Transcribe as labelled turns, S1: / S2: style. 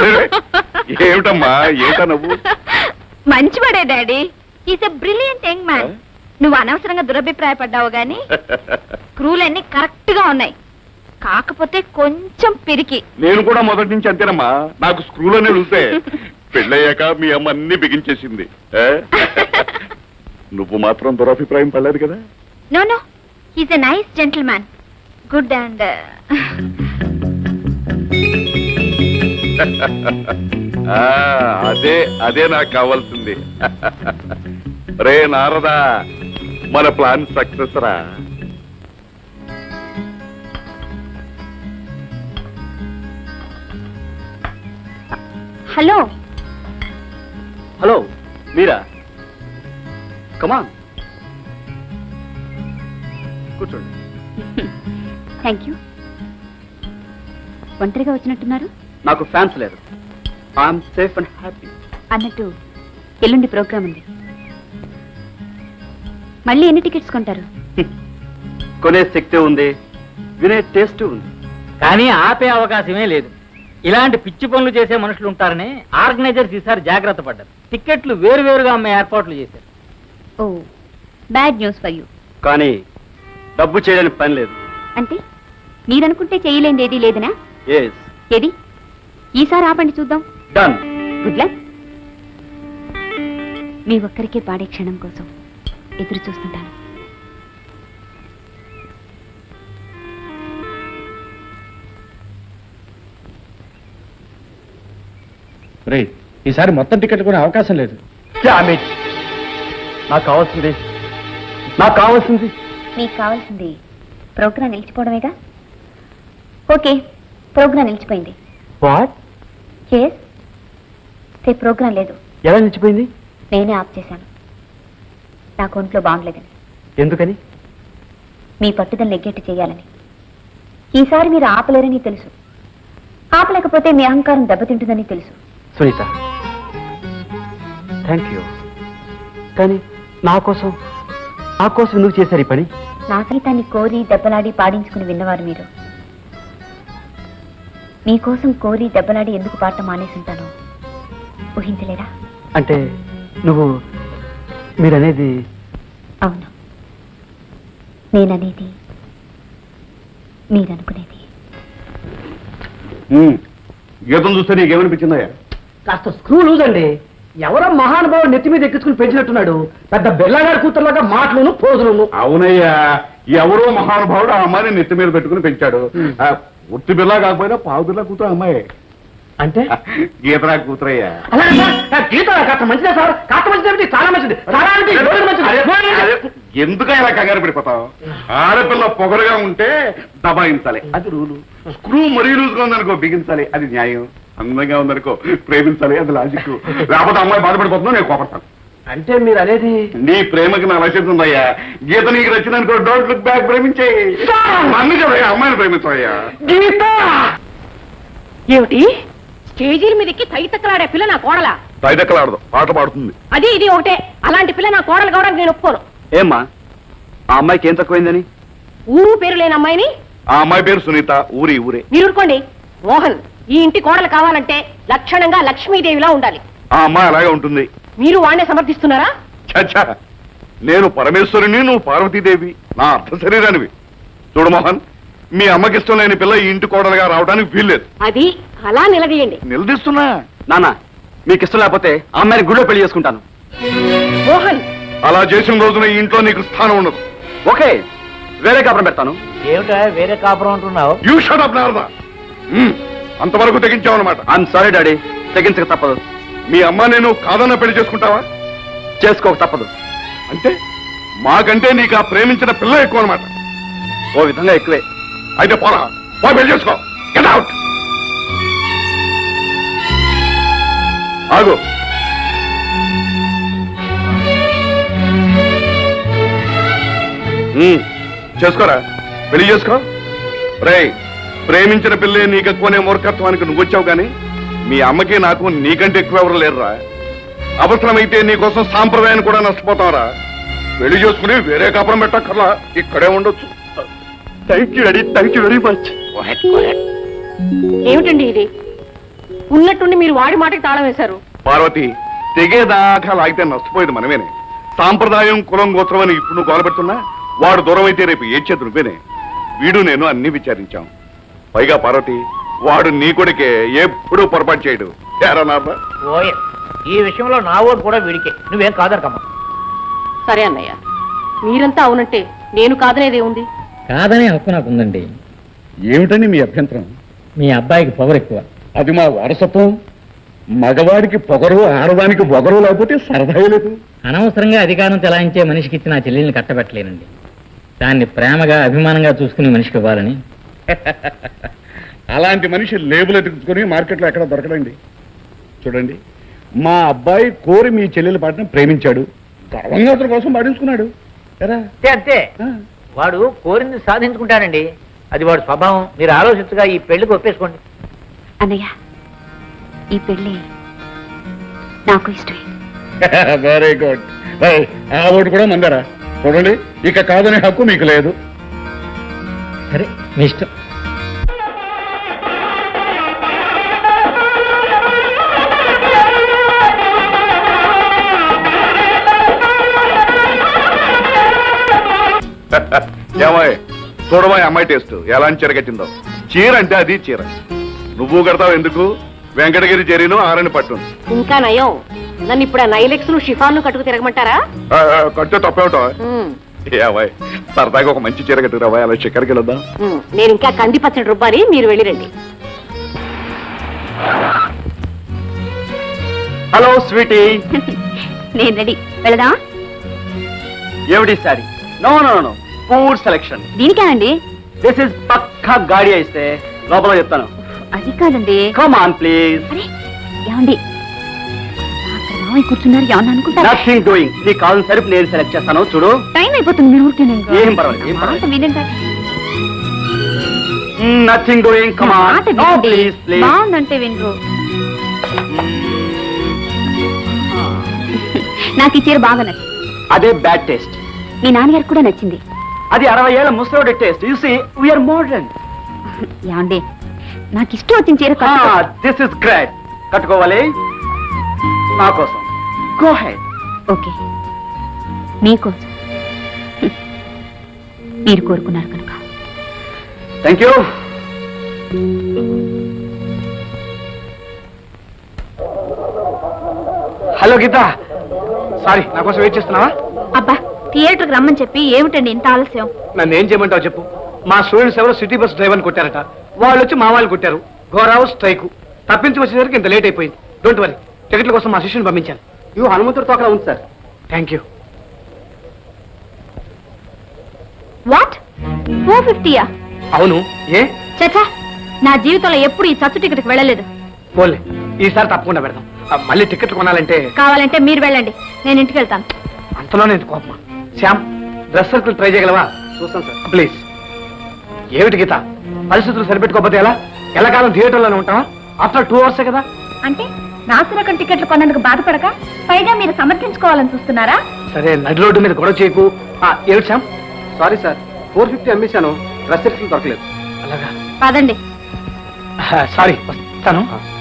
S1: ఏమిటమ్మా ఏమిటా నువ్వు?
S2: మంచివాడే daddy, is a brilliant young man. నువ్వు అనవసరంగా దురభిప్రాయపడ్డావు గాని స్క్రూలన్నీ కరెక్ట్ గా ఉన్నాయి, కాకపోతే కొంచెం పిరికి.
S1: నేను కూడా మొదటి నుంచి అంతేనమ్మా, నాకు స్క్రూలోనే వెళ్తే పెళ్ళయ్యాక మీ అమ్మ అన్ని బిగించేసింది. నువ్వు మాత్రం దురభిప్రాయం పడలేదు కదా?
S2: No no, is a nice gentleman, good and
S1: అదే అదే నాకు కావాల్సింది. రే నారదా, మన ప్లాన్ సక్సెస్ రా.
S2: హలో
S3: హలో, మీరా? కమాన్ కూర్చోండి.
S2: Thank you. ఒంటరిగా వచ్చినట్టున్నారు?
S3: నాకు ఫ్యాన్స్ లేరు. I'm safe and happy.
S2: అన్నట్టు ఎల్లుండి ప్రోగ్రామ్ ఉంది, మళ్ళీ ఎన్ని టికెట్స్ కొంటారు?
S3: కొనే శక్తి ఉంది, వినే టేస్ట్ ఉంది,
S4: కానీ ఆపే అవకాశమే లేదు. ఇలాంటి పిచ్చి పనులు చేసే మనుషులు ఉంటారని ఆర్గనైజర్స్ ఈసారి జాగ్రత్త పడ్డారు. టికెట్లు వేరువేరుగా అమ్మే ఏర్పాట్లు చేశారు.
S2: Oh, bad news for you.
S3: కానీ డబ్బు చేయడానికి పని లేదు.
S2: అంటే మీరనుకుంటే చేయలేంది ఏదీ లేదనా?
S3: ఎస్.
S2: ఏది? ఈసారి ఆపండి చూద్దాం.
S3: డన్.
S2: Good luck. మీ ఒక్కరికే పాడే క్షణం కోసం ఎదురు చూస్తుంటాను.
S5: రే, ఈసారి మొత్తం టికెట్ కొనే అవకాశం లేదు.
S3: నాకు కావాల్సింది
S2: మీకు కావాల్సింది ప్రోగ్రాం నిలిచిపోవడమేగా? ఓకే, ప్రోగ్రాం నిలిచిపోయింది.
S3: వాట్?
S2: రేపు ప్రోగ్రాం లేదు.
S3: ఎలా నిలిచిపోయింది?
S2: నేనే ఆఫ్ చేశాను, నాకు ఒంట్లో బాగుండలేదని.
S3: ఎందుకని?
S2: మీ పట్టుదల నెగ్గేట్టు చేయాలని. ఈసారి మీరు ఆపలేరని తెలుసు, ఆపలేకపోతే మీ అహంకారం దెబ్బతింటుందని తెలుసు.
S3: Sunitha, thank you. కానీ నా కోసం ఎందుకు చేశారు ఈ పని?
S2: నా సంగీతాన్ని కోరి దెబ్బలాడి పాడించుకుని విన్నవారు మీరు. మీకోసం కోరి దెబ్బలాడి ఎందుకు పాడటం మానేసింటానో ఊహించలేరా?
S3: అంటే మీరనేది?
S2: అవును, నేననేది మీరనుకునేది.
S1: గీతం చూస్తే నీకేమనిపించిందయ్యా?
S4: కాస్త స్క్రూ లూజ్ అండి. ఎవరో మహానుభావుడు నెత్తి మీద ఎక్కించుకుని పెంచినట్టున్నాడు. పెద్ద బెల్లగారి కూతురులాగా మాటలను పోజులను.
S1: అవునయ్యా, ఎవరో మహానుభావుడు ఆ అమ్మాయిని నెత్తి మీద పెట్టుకుని పెంచాడు. ఉత్తి బిల్లా కాకపోయినా పావు బిల్లా కూతురు అమ్మాయి.
S4: అంటే
S1: గీతరా కూతురయ్యా.
S4: గీత కాస్త మంచిదే సార్, కాస్త మంచిది, చాలా మంచిది.
S1: ఎందుకు ఇలా కంగారు పడిపోతావు? ఆడపిల్ల పొగరుగా ఉంటే దబాయించాలి, అది రూలు. స్క్రూ మరీ లూజ్గా ఉందనుకో బిగించాలి, అది న్యాయం. అందంగా ఉందనుకో ప్రేమించాలి, అది లాజిక్. లేకపోతే అమ్మాయి బాధపడిపోతుందో నేను కోపడతాను.
S4: అంటే మీరు అనేది?
S1: నీ ప్రేమకి నా లక్ష్యం ఉందయ్యా. గీత నీకు నచ్చిందనుకో, డోంట్ లుక్ బ్యాక్, ప్రేమించేయి. నన్ను చెప్పయ్యా, అమ్మాయిని ప్రేమించవయ్యా.
S4: గీత
S6: ఏమిటి? స్టేజీల మీదకి తైతక్కలాడే పిల్ల నా కోడలా?
S1: తైదక్కలాడదు, పాట పాడుతుంది.
S6: అది ఇది ఒకటే. అలాంటి పిల్ల నా కోడలు కావడానికి నేను ఒప్పుకోను.
S3: ఏమ్మా, ఆ అమ్మాయికి ఏం తక్కువైందని?
S6: ఊరు పేరు లేని అమ్మాయిని?
S1: ఆ అమ్మాయి పేరు సునీత, ఊరే.
S6: మీరు ఊరుకోండి. మోహన్, ఈ ఇంటి కోడలు కావాలంటే లక్షణంగా లక్ష్మీదేవిలా ఉండాలి.
S1: ఆ అమ్మాయి అలాగే ఉంటుంది.
S6: మీరు వాడినే సమర్థిస్తున్నారా?
S1: చచ్చా, నేను పరమేశ్వరుని, నువ్వు పార్వతీదేవి, నా అర్ధ శరీరానివి. చూడు మోహన్, మీ అమ్మకి ఇష్టం లేని పిల్ల ఈ ఇంటి కోడలుగా రావడానికి వీల్లేదు.
S6: అది అలా నిలదీయండి.
S1: నిలదీస్తున్నా.
S3: నాన్న, మీకు ఇష్టం లేకపోతే ఆ అమ్మాయిని గుడిలో పెళ్లి చేసుకుంటాను.
S6: మోహన్,
S1: అలా చేసిన రోజున ఈ ఇంట్లో నీకు స్థానం ఉండదు.
S3: ఓకే, వేరే కాపురం పెడతాను.
S4: ఏమిటా వేరే కాపురం అంటున్నావు?
S1: You shut up Narada. అంతవరకు తెగించావన్నమాట.
S3: ఐఎమ్ సారీ డాడీ, తెగించక తప్పదు.
S1: మీ అమ్మ నేను కాదన్న పెళ్లి చేసుకుంటావా?
S3: చేసుకోక తప్పదు.
S1: అంటే మాకంటే నీకు ఆ ప్రేమించిన పిల్ల ఎక్కువ అనమాట.
S3: ఓ విధంగా ఎక్కువే.
S1: అయితే పోరా, పో పెళ్లి చేసుకో. Get out. ఆగు. చేసుకోరా, పెళ్లి చేసుకో. రేయ్, ప్రేమించిన పిల్లే నీకు ఎక్కువనే మూర్ఖత్వానికి నువ్వు వచ్చావు, కానీ మీ అమ్మకి నాకు నీకంటే ఎక్కువ ఎవరు లేరురా. అవసరమైతే నీకోసం సాంప్రదాయాన్ని కూడా నష్టపోతావురా. పెళ్లి చేసుకుని వేరే కాపురం పెట్టక్కర్లా, ఇక్కడే ఉండొచ్చు.
S3: Thank you daddy, thank you very much.
S6: ఏమిటండి ఇది? ఉన్నట్టుండి మీరు వాడి మాటకి తాళం వేశారు.
S1: పార్వతి, తెగేదాకా లాగితే నష్టపోయేది మనమేనే. సాంప్రదాయం కులం గోత్రం అని ఇప్పుడు నువ్వు గోలపెడుతున్నా వాడు దూరం అయితే రేపు ఏడ్చేది నువ్వేనే. వీడు నేను అన్ని విచారించాం. పైగా పార్వతి, వాడు నీ కొడుకే, ఎప్పుడూ పొరపాటు చేయడు. ఏరా నాన్న?
S7: ఓయ్, ఈ విషయంలో నా ఓటు కూడా వీడికే. నువ్వేం కాదనకమ్మా.
S6: సరే అన్నయ్య, మీరంతా అవునంటే నేను కాదనేదే ఉంది.
S4: కాదనే హక్కు నాకు ఉందండి.
S5: ఏమిటని మీ అభ్యంతరం?
S4: మీ అబ్బాయికి పవర్ ఎక్కువ.
S5: అది మా వారసత్వం. మగవాడికి పొగరు, ఆడదానికి పొగరు లేకపోతే సరదా లేదు.
S4: అనవసరంగా అధికారం చెలాయించే మనిషికి ఇచ్చిన ఆ చెల్లెల్ని కట్టబెట్టలేనండి. దాన్ని ప్రేమగా అభిమానంగా చూసుకునే మనిషికి ఇవ్వాలని.
S5: అలాంటి మనిషి లేబుల్ ఎత్తుకుని మార్కెట్లో ఎక్కడ దొరకడండి. చూడండి, మా అబ్బాయి కోరి మీ చెల్లెల పాటను ప్రేమించాడు, గర్వంగా అతని కోసం పాటించుకున్నాడు. ఎరా?
S7: అంతే అంతే. వాడు కోరింది సాధించుకుంటానండి. అది వాడు స్వభావం. మీరు ఆలోచించగా ఈ పెళ్లికి ఒప్పేసుకోండి.
S2: అన్నయ్య, ఈ పెళ్లి నాకు ఇష్టమే.
S5: Very good. ఆ ఓటు కూడా మందరా. చూడండి, ఇక కాదనే హక్కు మీకు లేదు.
S4: సరే, మీ ఇష్టం.
S1: ఏమాయ్, చూడమా అమ్మాయి టేస్ట్ ఎలాంటి చీర కట్టిందో. చీర అంటే అది చీర. నువ్వు కడతావు ఎందుకు? వెంకటగిరి జరిను ఆరని పట్టు.
S6: ఇంకా నయం, నన్ను ఇప్పుడు ఆ నైలెక్స్ షిఫాన్లు కట్టుకు తిరగమంటారా?
S1: కట్టే తప్పేమిటో. ఏమాయ్, సరదాగా ఒక మంచి చీర కట్టుకురావా, అలా చక్కెరకి వెళ్దాం.
S6: నేను ఇంకా కంది పచ్చడి రుబ్బాలి, మీరు వెళ్ళిరండి.
S3: Hello Sweety.
S2: నేను రెడీ, వెళదాం.
S3: ఏమిటి sorry? No no no, poor selection.
S2: దీనికేనండి?
S3: దిస్ ఇస్ పక్కా గాడి అయితే లోపల చెప్తాను.
S2: అది కాదండి.
S3: Come on please.
S2: అరే ఏమండి, అక్కడ మావయ్య కూర్చున్నారు, ఏమన్నా అనుకుంటారా?
S3: Nothing doing. నీ కాల్ సరిపు నేను సెలెక్ట్ చేస్తాను. చూడు,
S2: టైం అయిపోతుంది, మీరు ఊరికేనే ఇంకా.
S3: ఏం పర్వాలేదు, ఏం పర్వాలేదు.
S2: మాట వినండి.
S3: Nothing doing. కమ్
S2: నా
S3: ఆన్.
S2: మాట
S3: నో
S2: వినండి.
S3: Please please.
S2: బాగుందంటే వినరు. నాకు ఈ చీర బాగా నచ్చింది.
S3: అదే బ్యాడ్ టేస్ట్.
S2: మీ నాన్నగారికి కూడా నచ్చింది.
S3: అది 60 ఏళ్ల ముసలోడి taste. You see we're modern.
S2: ఏమండి, నాకు ఇష్టం వచ్చిన చీర కట్టుకో.
S3: This is great. కట్టుకోవాలి నా కోసం. Go head.
S2: ఓకే, మీకోసం. మీరు కోరుకున్నారు కనుక.
S3: Thank you. Hello Geetha, sorry నా కోసం వెయిట్ చేస్తున్నావా?
S2: అబ్బా, థియేటర్కి రమ్మని చెప్పి ఏమిటండి ఇంత ఆలస్యం?
S3: నన్ను ఏం చేయమంటావు చెప్పు. మా స్టూడెంట్స్ ఎవరో సిటీ బస్ డ్రైవర్ని కొట్టారట. వాళ్ళు వచ్చి మా వాళ్ళు కొట్టారు. ఘోరావు స్ట్రైక్. తప్పించి వచ్చేసరికి ఇంత లేట్ అయిపోయింది. డోంట్ వరీ, టికెట్ల కోసం మా శిష్యుని పంపించాను. ఇవి హనుమంతుడితో అక్కడ ఉంది సార్. Thank you.
S2: వాట్, 450యా?
S3: అవును. ఏ?
S2: చచ్చా, నా జీవితంలో ఎప్పుడు ఈ చచ్చు టికెట్కి వెళ్ళలేదు.
S3: పోలే, ఈసారి తప్పకుండా పెడదాం. మళ్ళీ టికెట్లు కొనాలంటే
S2: కావాలంటే మీరు వెళ్ళండి, నేను ఇంటికి వెళ్తాను.
S3: అంతలోనే కోపమా? శ్యామ్, డ్రెస్ సర్కిల్ ట్రై చేయగలవా? చూస్తాను సార్. ప్లీజ్. ఏమిటి గీత, పరిస్థితులు సరిపెట్టుకోకపోతే ఎలా? ఎల్లకాలం థియేటర్లోనే ఉంటావా? ఆఫ్టర్ 2 hours కదా.
S2: అంటే నాసురకం టికెట్లు కొన్నందుకు బాధపడక పైగా మీరు సమర్థించుకోవాలని చూస్తున్నారా?
S3: సరే, నడి రోడ్డు మీద గొడవ చేయకు. ఏమిటి శ్యామ్? సారీ సార్, 450 అమ్మేశాను. డ్రెస్ సర్కిల్ దొరకలేదు. అలాగా?
S2: పదండి.
S3: సారీ, వస్తాను.